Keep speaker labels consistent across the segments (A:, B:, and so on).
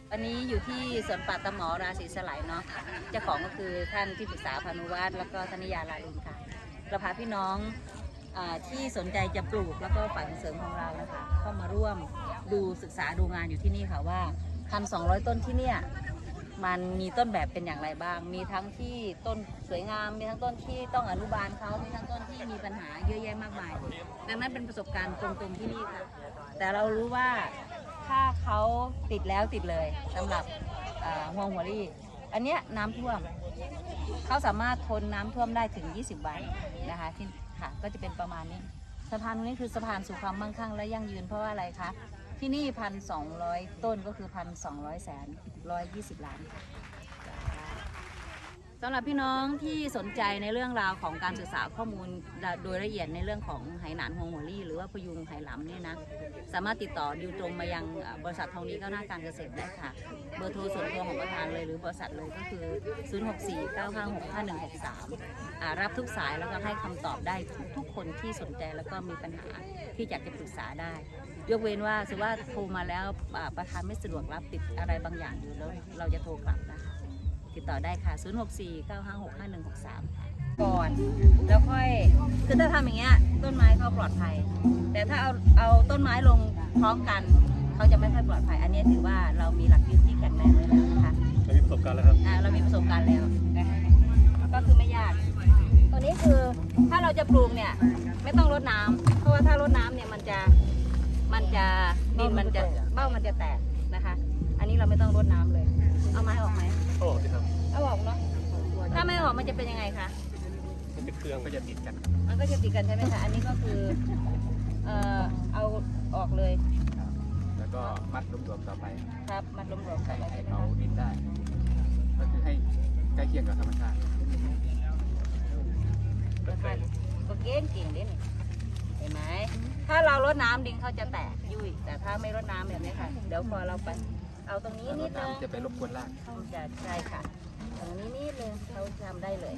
A: อันนี้อยู่ที่สวนป่าตะหมอราศีสไลเนาะเจ้าของก็คือท่านที่ปรึกษาพานุวัฒน์แล้วก็ธนิยาลาลุนค่ะเราพาพี่น้องที่สนใจจะปลูกแล้วก็ฝ่ายส่งเสริมของเรานะคะเข้ามาร่วมดูศึกษาดูงานอยู่ที่นี่ค่ะว่า 1,200 ต้นที่เนี่ยมันมีต้นแบบเป็นอย่างไรบ้างมีทั้งที่ต้นสวยงามมีทั้งต้นที่ต้องอนุบาลเขามีทั้งต้นที่มีปัญหาเยอะแยะมากมายดังนั้นเป็นประสบการณ์ตรงๆที่นี่ค่ะแต่เรารู้ว่าถ้าเขาติดแล้วติดเลยสำหรับฮวงหัวรี่อันเนี้ยน้ำท่วมเขาสามารถทนน้ำท่วมได้ถึง20 วันนะคะที่ค่ะก็จะเป็นประมาณนี้สะพานตรงนี้คือสะพานสู่ความมั่งคั่งและยั่งยืนเพราะว่าอะไรคะที่นี่1,200 ต้นก็คือ1,200 แสน120 ล้านสำหรับพี่น้องที่สนใจในเรื่องราวของการศึกษาข้อมูลโดยละเอียดในเรื่องของไหหนานฮวงหัวรี่หรือว่าพยุงไหหลำเนี่ยนะสามารถติดต่อดิวตรงมายังบริษัททองดีก้าวหน้าการเกษตรได้ค่ะเบอร์โทรส่วนตัวของประธานเลยหรือบริษัทเลยก็คือ 0649565163 รับทุกสายแล้วก็ให้คำตอบได้ทุกคนที่สนใจแล้วก็มีปัญหาที่อยากจะปรึกษาได้ยกเว้นว่าสมมติว่าโทรมาแล้วประธานไม่สะดวกรับติดอะไรบางอย่างอยู่แล้วเราจะโทรกลับนะคะติดต่อได้ค่ะ 0649565163 ก่อนแล้วค่อยคือถ้าทำอย่างเงี้ยต้นไม้เขาปลอดภัยแต่ถ้าเอาต้นไม้ลงพร้อมกันเขาจะไม่ค่อยปลอดภัยอันนี้ถือว่าเรามีหลักยึดที่แข็งแรงไว้แล้วนะคะ
B: เรามีประสบการณ์แล้วครับ
A: เรามีประสบการณ์แล้วนะคะก็คือไม่ยากตัวนี้คือถ้าเราจะปลูกเนี่ยไม่ต้องรดน้ำเพราะว่าถ้ารดน้ำเนี่ยมันจะดินมันจะเบ้ามันจะแตกนะคะอันนี้เราไม่ต้องรดน้ำเลยเอาไม้ออกไหม
B: โอ้ดีครับ
A: เอาออกเนาะถ้าไม่ออกมันจะเป็นยังไงคะ
B: มันจะเครื่องก็จะติดกัน
A: มันก็จะติดกันใช่ไหมคะอันนี้ก็คือเอาออกเลย
B: แล้วก็มัดรวมๆต่อไป
A: ครับมัดรวมๆต่อไป
B: เอาดินได้ก็คือให้ใกล้เคียงกับธรรมชาติ
A: ก็เก่งเด่นเห็นไหมถ้าเรารดน้ำดินเขาจะแตกยุ่ยแต่ถ้าไม่รดน้ำแบบนี้ค่ะเดี๋ยวพอเราไปเอาตรงนี้นิดนึง
B: จะไปรบกวนราก
A: จะใช่ค่ะตรงนี้นิดนึงเขาทำได้เลย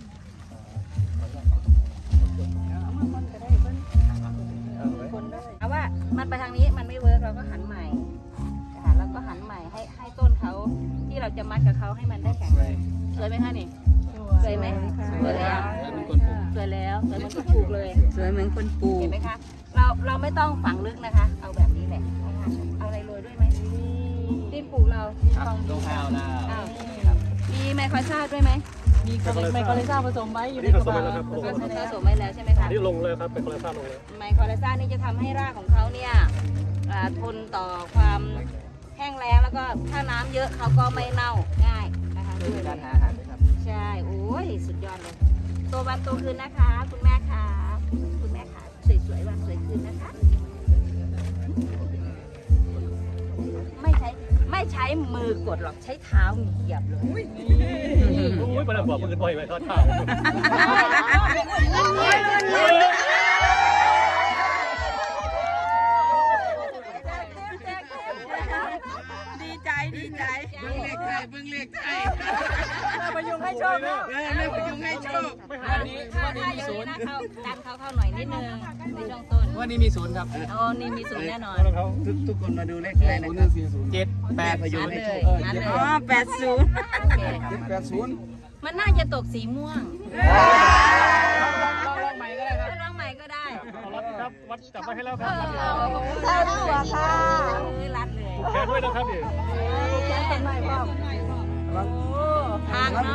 A: เอาว่ามันไปทางนี้มันไม่เวิร์กเราก็หันใหม่ค่ะแล้วก็หันใหม่ให้ต้นเขาที่เราจะมัดกับเขาให้มันได้แข็งแรงสวยไหมคะนี่สวยไหมสวยแล้วสวยแล้วสวยเหมือนคนปลูกเลยสวยเหมือนคนปลูกเห็นไหมคะเราไม่ต้องฝังลึกนะคะเอาแบบนี้แหละเอาอะไรโรยด้วยไหมดินปลูกเรา
B: ลงข้าวแล้ว
A: มีไมโครซาด้วยไหม
C: มีไมโครเลซ่าผสมไว้อยู่ในกระบะ
A: ผสมไว้แล้วใช่ไหมคะ
B: นี่ลงเลยครับไมโครเลซ่าลงเลย
A: ไมโครเลซ่านี่จะทำให้รากของเขาเนี่ยทนต่อความแห้งแล้งแล้วก็ถ้าน้ำเยอะเขาก็ไม่เน่าง่ายนะคะ
B: ด้วยการหาอาหารครับ
A: ใช่โอ้ยสุดยอดเลยโตวันโตคืนนะคะคุณแม่ค่ะคุณแม่ค่ะสวยๆวันสวยคืนนะคะไม่ใช้มือกดหรอกใช้เท้าเหยียบเลย
B: อุ้ยมาแล้วบอกมือบ่อยไว้ทอดเท้า
C: ดีใจเบิ่งเลขไทยพยุงให้โชคนะพยุงให้โชค
A: วันนี้มีศูนย์ดันเขาหน่อยนิดนึงในช่วงต้น
B: วันนี้มีศูนย์ครับ
A: อ๋อนี่มีศูนย์แน่นอน
B: ทุกคนมาดูเลขไทยนะครับ7 8พยุงให้โชค
C: อ๋อ
A: 80มันน่าจะตกสีม่วง
B: ลองใหม่ก็ได้ครับ
A: ลองใหม่ก็ได้
B: ครับวัดจับไว้ให้แล้วครับ
A: ใช่ตัวค่ะรัดเลย
B: แขนด้วยนะครับดิ
A: แขนเป็นใหม่พ่อทางนะ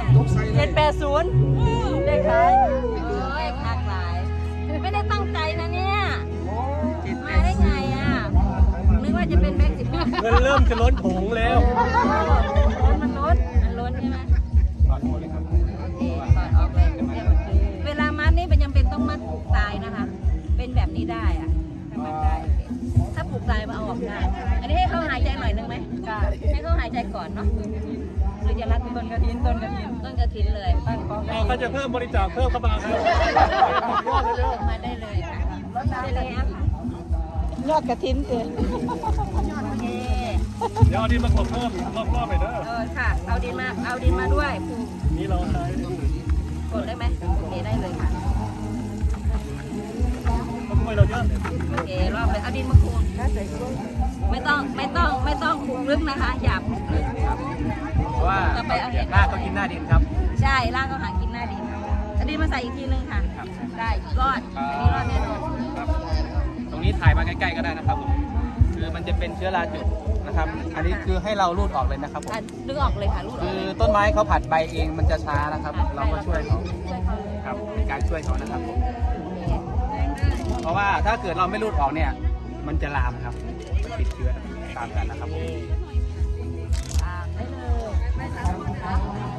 C: 780
A: ได้ขายพักหลายไม่ได้ตั้งใจนะเนี่ยมาได้ไงอ่ะนึกว่าจะเป็นแบงค์15
B: เงินเริ่มจะล้นถุงแล้ว
A: มันล้นใช่ไหมก่อนออกเลยเวลามัดนี่เป็นยังเป็นต้องมัดผูกตายนะคะเป็นแบบนี้ได้อ่ะถ้าผูกตายมาเอาออกได้อันนี้ให้เขาหายใจหน่อยนึงไหมให้เขาหายใจก่อนเนาะหรือจะรัดต้นกระถินเลยตั้งกอง
B: เขาจะเพิ่มบริจาคเพิ่มเข้ามาครับ
A: มาได้เลยค่ะได้เลยค่ะ
C: ยอดกระถินเอง
B: เดี๋ยวเอาดินมาถมเพิ่มรอบๆไปเด้อ
A: ค่ะเอาดินมาด้วย
B: นี่เราใช้
A: กดได้ไหมโอเคได้เลยค่ะ
B: ทำไมวยเราเยอะ
A: โอเครอบเลยเอาดินมาคูณไม่ต้องคูณลึกนะคะอย่าคูณลึก
B: เพราะว่า
A: ต่อไปเอาเห็ด
B: รากก็กินหน้าดินครับ
A: ใช่รากก็หากินหน้าดินเอาดินมาใส่อีกทีนึงค่ะ
B: ครับ
A: ได้รอดอันนี้รอดแน่นอน
B: ครับตรงนี้ถ่ายมาใกล้ๆก็ได้นะครับผมคือมันจะเป็นเชื้อราจุดนะครับ อันนี้คือให้เรารูดออกเลยนะครับผม
A: อ่ะดึงออกเลยค่ะรูดออก
B: คือ
A: เลย
B: ต้นไม้เขาผัดใบเองมันจะช้านะครับ เราก็ช่วยเขา
A: ช่วยเขาเลย
B: ครับเป็นการช่วยเขานะครับผม
A: โอเค
B: เพราะว่าถ้าเกิดเราไม่รูดออกเนี่ย มันจะลามครับติดเชื้อตามกันนะครับผม
A: ตามได้เลย